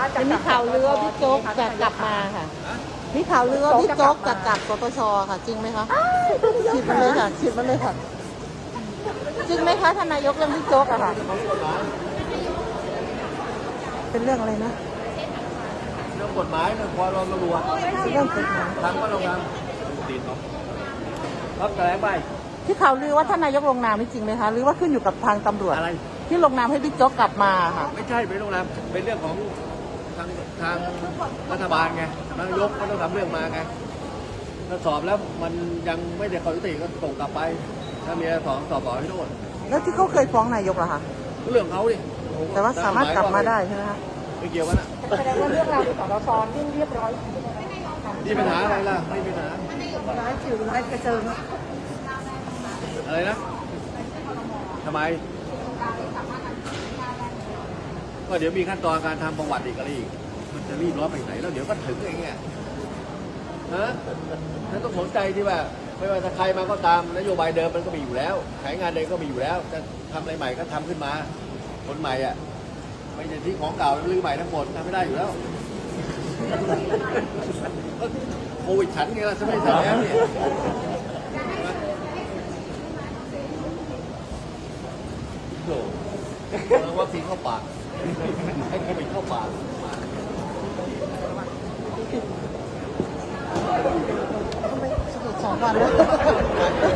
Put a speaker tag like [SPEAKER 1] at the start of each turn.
[SPEAKER 1] มีข่าวลือว่าพี่โจ๊กจะกลับมาค่ะมีข่าวลือว่าพี่โจ๊กจะกลับสตชค่ะจริงไหมคะฉีดมันเลยค่ะฉีดมันเลยค่ะจริงไหมคะท่านนายกเรื่องพี่โจ๊กอะค่ะเป็นเรื่องอะไรนะ
[SPEAKER 2] เรื่องกฎหมายเรื่องความร้อนรัว
[SPEAKER 1] เรื่องกฎหมาย
[SPEAKER 2] ทำก็ลงนามตีนเนาะรับแถลงไป
[SPEAKER 1] ที่ข่าวลือว่าท่านนายกลงนามนี่จริงไหมคะหรือว่าขึ้นอยู่กับทางตำรวจ
[SPEAKER 2] อะไร
[SPEAKER 1] ที่ลงนามให้บิ๊กโจ๊กกลับมาค่ะ
[SPEAKER 2] ไม่ใช่ไม่ลงนามเป็นเรื่องของทางรัฐบาลไงนายกก็ต้องทำเรื่องมาไงถ้าสอบแล้วมันยังไม่ได้ข้อยุติก็ส่งกลับไปถ้ามีสอบต่อที่โน่น
[SPEAKER 1] แล้วที่เขาเคยฟ้องนายกล่ะคะ
[SPEAKER 2] เรื่องเขาดิ
[SPEAKER 1] แต่ว่าสามารถกลับมาได้ใช่ไหมคะ
[SPEAKER 2] ไม่เกี่ยวกันอ่ะ
[SPEAKER 1] แสดงว่าเรื่องราวที่สตชยิ่งเรียบร้อย
[SPEAKER 2] นี่ปัญหาอะไรล่ะไม่มีปัญหา
[SPEAKER 1] ร้ายจิ๋วร้ายกระเจิง
[SPEAKER 2] อะไรนะทำไมก็เดี๋ยวมีขั้นตอนการทำประวัติอีกอะไรอีกมันจะรีบร้อนไปไหนแล้วเดี๋ยวก็ถึงเองเนี่ยฮะฉันต้องสนใจที่ว่าไม่ว่าจะใครมาก็ตามนโยบายเดิมมันก็มีอยู่แล้วแผนงานเดิมก็มีอยู่แล้วจะทำอะไรใหม่ก็ทำขึ้นมาคนใหม่อ่ะไม่ใช่ที่ของเก่าลื้อใหม่ทั้งหมดทำไม่ได้อยู่แล้วโควิดฉันไงล่ะฉันไม่ใช่แล้วเนี่ยโถ่วัคซีนเข้าปากให้โควิดเข้าปาก
[SPEAKER 1] 2 วันแล้ว